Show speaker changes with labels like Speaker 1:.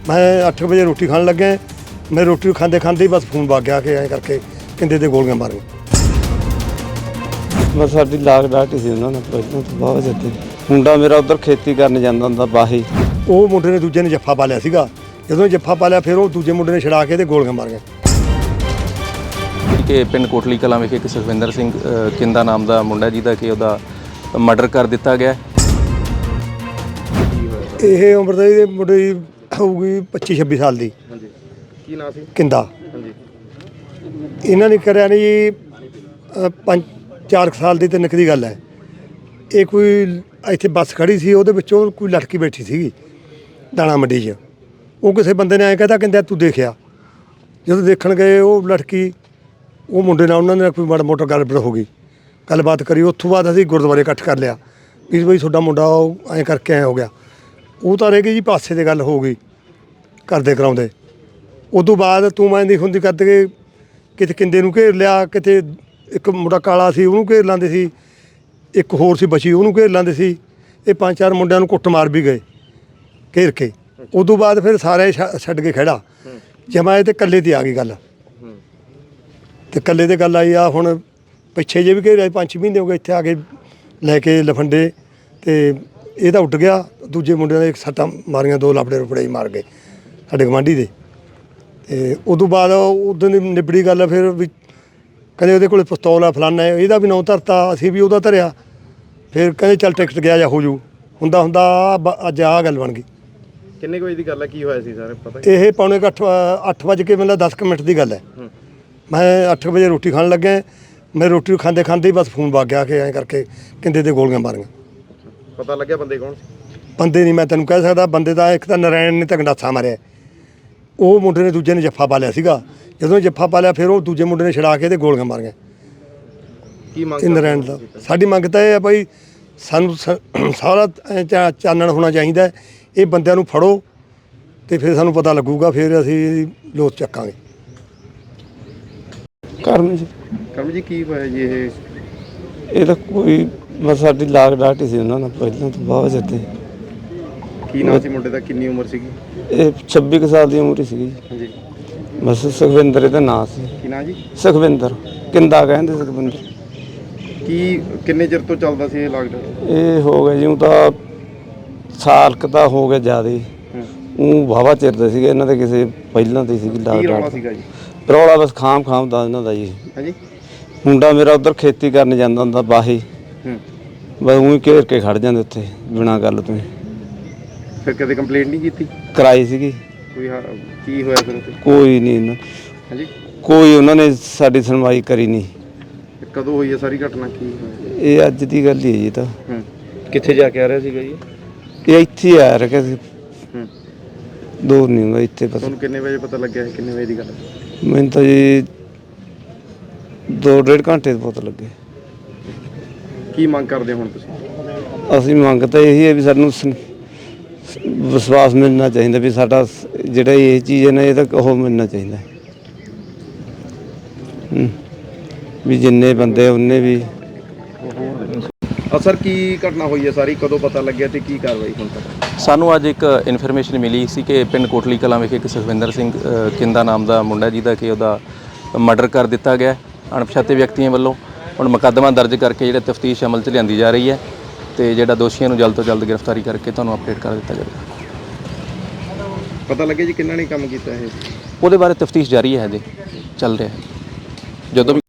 Speaker 1: मैं 8 बजे रोटी खान लगे, मैं रोटी खाते खाते ही बस फोन वग गया कि ऐ करके कहते ते गोलियां मारियां।
Speaker 2: बस साडी लाग डाट ही सी उन्होंने पहलों तो बहुत जिते मुंडा मेरा उधर खेती करने जाता हुंदा बाही।
Speaker 1: ਉਹ ਮੁੰਡੇ ਨੇ ਦੂਜੇ ਨੇ ਜੱਫਾ ਪਾ ਲਿਆ ਸੀਗਾ, ਜਦੋਂ ਜੱਫਾ ਪਾ ਲਿਆ ਫਿਰ ਉਹ ਦੂਜੇ ਮੁੰਡੇ ਨੇ ਛੜਾ ਕੇ ਤੇ ਗੋਲੀਆਂ ਮਾਰੀਆਂ।
Speaker 3: ਕਿ ਪਿੰਡ ਕੋਟਲੀ ਕਲਾਂ ਵਿਖੇ ਇੱਕ ਸੁਖਵਿੰਦਰ ਸਿੰਘ ਕਿੰਦਾ ਨਾਮ ਦਾ ਮੁੰਡਾ ਜਿਹਦਾ ਕਿ ਉਹਦਾ ਮਰਡਰ ਕਰ ਦਿੱਤਾ ਗਿਆ।
Speaker 1: ਇਹ ਉਮਰ ਦਾ ਇਹਦੇ ਮੁੰਡੇ ਦੀ ਹੋਊਗੀ 25-26 ਸਾਲ ਦੀ।
Speaker 3: ਹਾਂਜੀ, ਕੀ ਨਾਂ ਸੀ?
Speaker 1: ਕਿੰਦਾ।
Speaker 3: ਹਾਂਜੀ,
Speaker 1: ਇਹਨਾਂ ਨੇ ਕਰਿਆ ਨਹੀਂ ਜੀ 5-4 ਸਾਲ ਦੀ ਤੇ ਨਿੱਕ ਦੀ ਗੱਲ ਹੈ। ਇਹ ਕੋਈ ਇੱਥੇ ਬੱਸ ਖੜੀ ਸੀ, ਉਹਦੇ ਵਿੱਚੋਂ ਕੋਈ ਲੜਕੀ ਬੈਠੀ ਸੀਗੀ ਦਾਣਾ ਮੰਡੀ 'ਚ। ਉਹ ਕਿਸੇ ਬੰਦੇ ਨੇ ਐਂ ਕਹਿੰਦਾ ਤੂੰ ਦੇਖਿਆ। ਜਦੋਂ ਦੇਖਣ ਗਏ ਉਹ ਲੜਕੀ ਉਹ ਮੁੰਡੇ ਨਾਲ ਉਹਨਾਂ ਨੇ ਕੋਈ ਮਾੜਾ ਮੋਟਾ ਗੱਲਬਾਤ ਹੋ ਗਈ, ਗੱਲਬਾਤ ਕਰੀ। ਉੱਥੋਂ ਬਾਅਦ ਅਸੀਂ ਗੁਰਦੁਆਰੇ ਇਕੱਠ ਕਰ ਲਿਆ ਵੀ ਬਈ ਤੁਹਾਡਾ ਮੁੰਡਾ ਉਹ ਐਂ ਕਰਕੇ ਐਂ ਹੋ ਗਿਆ। ਉਹ ਤਾਂ ਰਹਿ ਗਈ ਜੀ ਪਾਸੇ ਦੀ ਗੱਲ ਹੋ ਗਈ ਕਰਦੇ ਕਰਾਉਂਦੇ। ਉਦੋਂ ਬਾਅਦ ਤੂੰ ਮੈਂ ਦੀ ਹੁੰਦੀ ਕਰਦੇ ਕਿ ਕਿਤੇ ਕਿੰਦੇ ਨੂੰ ਘੇਰ ਲਿਆ, ਕਿਤੇ ਇੱਕ ਮੁੰਡਾ ਕਾਲਾ ਸੀ ਉਹਨੂੰ ਘੇਰ ਲਾਂਦੇ ਸੀ, ਇੱਕ ਹੋਰ ਸੀ ਬਚੀ ਉਹਨੂੰ ਘੇਰ ਲਾਂਦੇ ਸੀ। ਇਹ 5-4 ਮੁੰਡਿਆਂ ਨੂੰ ਕੁੱਟ ਮਾਰ ਵੀ ਗਏ ਘੇਰ ਕੇ। ਉਦੋਂ ਬਾਅਦ ਫਿਰ ਸਾਰੇ ਛੱਡ ਕੇ ਖੜਾ ਜਮਾਏ ਤੇ ਇਕੱਲੇ ਤੇ ਆ ਗਈ ਗੱਲ। ਤੇ ਇਕੱਲੇ ਤੇ ਗੱਲ ਆਈ ਆ ਹੁਣ ਪਿੱਛੇ ਜੇ ਵੀ ਘੇਰਿਆ 5 ਮਹੀਨੇ ਹੋ ਗਏ ਇੱਥੇ ਆ ਕੇ ਲੈ ਕੇ ਲਫੰਡੇ। ਤੇ ਇਹ ਤਾਂ ਉੱਡ ਗਿਆ, ਦੂਜੇ ਮੁੰਡਿਆਂ ਨੇ ਸੱਟਾਂ ਮਾਰੀਆਂ, 2 ਲਾਪੜੇ ਰੁਪੜੇ ਹੀ ਮਾਰ ਗਏ ਸਾਡੇ ਗਵਾਂਢੀ ਦੇ। ਤੇ ਉਦੋਂ ਬਾਅਦ ਉਦੋਂ ਦੀ ਨਿਬੜੀ ਗੱਲ। ਫਿਰ ਵੀ ਕਹਿੰਦੇ ਉਹਦੇ ਕੋਲ ਪਿਸਤੌਲ ਆ ਫਲਾਨਾ, ਇਹਦਾ ਵੀ ਨਾਂ ਧਰਤਾ, ਅਸੀਂ ਵੀ ਉਹਦਾ ਧਰਿਆ। ਫਿਰ ਕਹਿੰਦੇ ਚੱਲ ਟਿਕਟ ਗਿਆ ਜਾਂ ਹੋ ਜੂ। ਹੁੰਦਾ ਅੱਜ ਆਹ ਗੱਲ ਬਣ ਗਈ।
Speaker 3: ਕਿੰਨੇ ਵਜੇ ਦੀ ਗੱਲ ਹੈ? ਕੀ ਹੋਇਆ ਸੀ ਸਾਰੇ ਪਤਾ?
Speaker 1: ਇਹ ਪੌਣੇ 8 ਵਜੇ ਕੇ ਮਤਲਬ 10 ਮਿੰਟ ਦੀ ਗੱਲ ਹੈ। ਮੈਂ 8 ਵਜੇ ਰੋਟੀ ਖਾਣ ਲੱਗੇ, ਮੈਂ ਰੋਟੀ ਖਾਂਦੇ ਖਾਂਦੇ ਹੀ ਬਸ ਫੋਨ ਵਗ ਗਿਆ ਕਿ ਐਂ ਕਰਕੇ ਕਹਿੰਦੇ ਤੇ ਗੋਲੀਆਂ ਮਾਰੀਆਂ।
Speaker 3: ਪਤਾ ਲੱਗਿਆ ਬੰਦੇ ਕੌਣ ਸੀ?
Speaker 1: ਬੰਦੇ ਨਹੀਂ ਮੈਂ ਤੈਨੂੰ ਕਹਿ ਸਕਦਾ। ਬੰਦੇ ਦਾ ਇੱਕ ਤਾਂ ਨਰਾਇਣ ਨੇ ਤਾਂ ਗੰਡਾਸਾ ਮਾਰਿਆ, ਉਹ ਮੁੰਡੇ ਨੇ ਦੂਜੇ ਨੇ ਜੱਫਾ ਪਾ ਲਿਆ ਸੀਗਾ। ਜਦੋਂ ਜੱਫਾ ਪਾ ਲਿਆ ਫਿਰ ਉਹ ਦੂਜੇ ਮੁੰਡੇ ਨੇ ਛੜਾ ਕੇ ਤੇ ਗੋਲੀਆਂ ਮਾਰੀਆਂ।
Speaker 3: ਕੀ ਮੰਗ
Speaker 1: ਇਹ ਨਰਾਇਣ ਦਾ ਸਾਡੀ ਮੰਗ ਤਾਂ ਇਹ ਹੈ ਭਾਈ, ਸਾਨੂੰ ਸਾਰਾ ਚਾਨਣ ਹੋਣਾ ਚਾਹੀਦਾ। ਇਹ ਬੰਦਿਆਂ ਨੂੰ ਫੜੋ ਤੇ ਫਿਰ ਸਾਨੂੰ ਪਤਾ ਲੱਗੂਗਾ, ਫਿਰ ਅਸੀਂ ਲੋਥ ਚੱਕਾਂਗੇ।
Speaker 3: ਕਰਮ ਜੀ ਕੀ ਹੋਇਆ ਜੀ?
Speaker 2: ਇਹ ਤਾਂ ਕੋਈ ਬਸ ਸਾਡੀ ਲਾਗ ਡਾਟ ਹੀ ਸੀ ਉਹਨਾਂ ਨਾਲ ਪਹਿਲਾਂ ਤੋਂ ਬਹੁਤ ਜਿਤੇ।
Speaker 3: ਕੀ ਨਾਂ ਸੀ ਮੁੰਡੇ ਦਾ? ਕਿੰਨੀ ਉਮਰ ਸੀਗੀ?
Speaker 2: ਇਹ 26 ਕੁ ਸਾਲ ਦੀ ਉਮਰ ਹੀ ਸੀਗੀ।
Speaker 3: ਹਾਂਜੀ,
Speaker 2: ਬਸ ਸੁਖਵਿੰਦਰ ਇਹਦਾ ਨਾਂ ਸੀ।
Speaker 3: ਕੀ ਨਾਂ ਜੀ?
Speaker 2: ਸੁਖਵਿੰਦਰ ਕਿੰਦਾ ਕਹਿੰਦੇ ਸੁਖਵਿੰਦਰ।
Speaker 3: ਕੀ ਕਿੰਨੇ ਚਿਰ ਤੋਂ ਚੱਲਦਾ ਸੀ ਇਹ ਲਾਕਡਾਊਨ?
Speaker 2: ਇਹ ਹੋ ਗਿਆ ਜਿਉਂ ਤਾਂ ਸਾਲ ਕੁ ਤਾਂ ਹੋ ਗਿਆ ਜ਼ਿਆਦਾ ਹੀ। ਉਹ ਵਾਹਵਾ ਚਿਰ ਦੇ ਸੀਗੇ ਇਹਨਾਂ ਦੇ ਕਿਸੇ ਪਹਿਲਾਂ ਤੇ ਸੀਗੀ ਲਾਗ
Speaker 3: ਕੀ ਰੌਲਾ
Speaker 2: ਡਾਟ।
Speaker 3: ਸੀਗਾ ਜੀ?
Speaker 2: ਰੌਲਾ ਬਸ ਖਾਮ ਦਾ ਇਹਨਾਂ ਦਾ ਜੀ।
Speaker 3: ਹਾਂਜੀ,
Speaker 2: ਮੁੰਡਾ ਮੇਰਾ ਉਧਰ ਖੇਤੀ ਕਰਨ ਜਾਂਦਾ ਹੁੰਦਾ ਬਾਹੀ। ਬਸ ਉਹੀ ਘੇਰ ਕੇ ਖੜ ਜਾਂਦੇ ਉੱਥੇ ਬਿਨਾਂ ਗੱਲ ਤੋਂ।
Speaker 3: ਫਿਰ ਕਦੇ ਕੰਪਲੇਂਟ ਨਹੀਂ ਕੀਤੀ?
Speaker 2: ਕਰਾਈ ਸੀਗੀ।
Speaker 3: ਕੋਈ ਕੀ ਹੋਇਆ ਫਿਰ ਉੱਥੇ?
Speaker 2: ਕੋਈ ਨਹੀਂ
Speaker 3: ਹਾਂਜੀ,
Speaker 2: ਕੋਈ ਉਹਨਾਂ ਨੇ ਸਾਡੀ ਸੁਣਵਾਈ ਕਰੀ ਨਹੀਂ।
Speaker 3: ਕਦੋਂ ਹੋਈ ਹੈ ਸਾਰੀ ਘਟਨਾ? ਕੀ ਹੋਇਆ?
Speaker 2: ਇਹ ਅੱਜ ਦੀ ਗੱਲ ਹੀ ਹੈ ਜੀ। ਤਾਂ
Speaker 3: ਕਿੱਥੇ ਜਾ ਕੇ ਆ ਰਿਹਾ ਸੀਗਾ ਜੀ?
Speaker 2: ਇਹ ਇੱਥੇ ਹੀ ਆ ਰਿਹਾ ਸੀ, ਦੂਰ ਨਹੀਂ ਹੁੰਦਾ ਇੱਥੇ। ਪਤਾ
Speaker 3: ਤੁਹਾਨੂੰ ਕਿੰਨੇ ਵਜੇ ਪਤਾ ਲੱਗਿਆ? ਕਿੰਨੇ ਵਜੇ ਦੀ ਗੱਲ?
Speaker 2: ਮੈਨੂੰ ਤਾਂ ਜੀ 2-1.5 ਘੰਟੇ ਤੋਂ ਪਤਾ ਲੱਗੇ।
Speaker 3: ਕੀ ਮੰਗ ਕਰਦੇ ਹੁਣ ਤੁਸੀਂ?
Speaker 2: ਅਸੀਂ ਮੰਗ ਤਾਂ ਇਹੀ ਹੈ ਵੀ ਸਾਨੂੰ ਵਿਸ਼ਵਾਸ ਮਿਲਣਾ ਚਾਹੀਦਾ ਵੀ ਸਾਡਾ ਜਿਹੜਾ ਇਹ ਚੀਜ਼ ਹੈ ਨਾ ਇਹਦਾ ਉਹ ਮਿਲਣਾ ਚਾਹੀਦਾ ਵੀ ਜਿੰਨੇ ਬੰਦੇ ਉਹਨੇ ਵੀ।
Speaker 3: ਸਰ ਕੀ ਘਟਨਾ ਹੋਈ ਹੈ ਸਾਰੀ? ਕਦੋਂ ਪਤਾ ਲੱਗਿਆ ਤੇ ਕੀ ਕਾਰਵਾਈ ਹੁਣ ਤੱਕ?
Speaker 4: ਸਾਨੂੰ ਅੱਜ ਇੱਕ ਇਨਫੋਰਮੇਸ਼ਨ ਮਿਲੀ ਸੀ ਕਿ ਪਿੰਡ ਕੋਟਲੀ ਕਲਾਂ ਵਿਖੇ ਇੱਕ ਸੁਖਵਿੰਦਰ ਸਿੰਘ ਕਿੰਦਾ ਨਾਮ ਦਾ ਮੁੰਡਾ ਜਿਹਦਾ ਕਿ ਉਹਦਾ ਮਰਡਰ ਕਰ ਦਿੱਤਾ ਗਿਆ ਅਣਪਛਾਤੇ ਵਿਅਕਤੀਆਂ ਵੱਲੋਂ। ਹੁਣ ਮੁਕੱਦਮਾ ਦਰਜ ਕਰਕੇ ਜਿਹੜਾ ਤਫਤੀਸ਼ ਅਮਲ 'ਚ ਲਿਆਂਦੀ ਜਾ ਰਹੀ ਹੈ ਤੇ ਜਿਹੜਾ ਦੋਸ਼ੀਆਂ ਨੂੰ ਜਲਦ ਤੋਂ ਜਲਦ ਗ੍ਰਿਫਤਾਰੀ ਕਰਕੇ ਤੁਹਾਨੂੰ ਅਪਡੇਟ ਕਰ ਦਿੱਤਾ ਜਾਵੇਗਾ।
Speaker 3: ਪਤਾ ਲੱਗਿਆ ਜੀ ਕਿੰਨਾ ਨੇ ਕੰਮ ਕੀਤਾ ਇਹ?
Speaker 4: ਉਹਦੇ ਬਾਰੇ ਤਫਤੀਸ਼ ਜਾਰੀ ਹੈ, ਹਜੇ ਚੱਲ ਰਿਹਾ ਹੈ। ਜਦੋਂ ਵੀ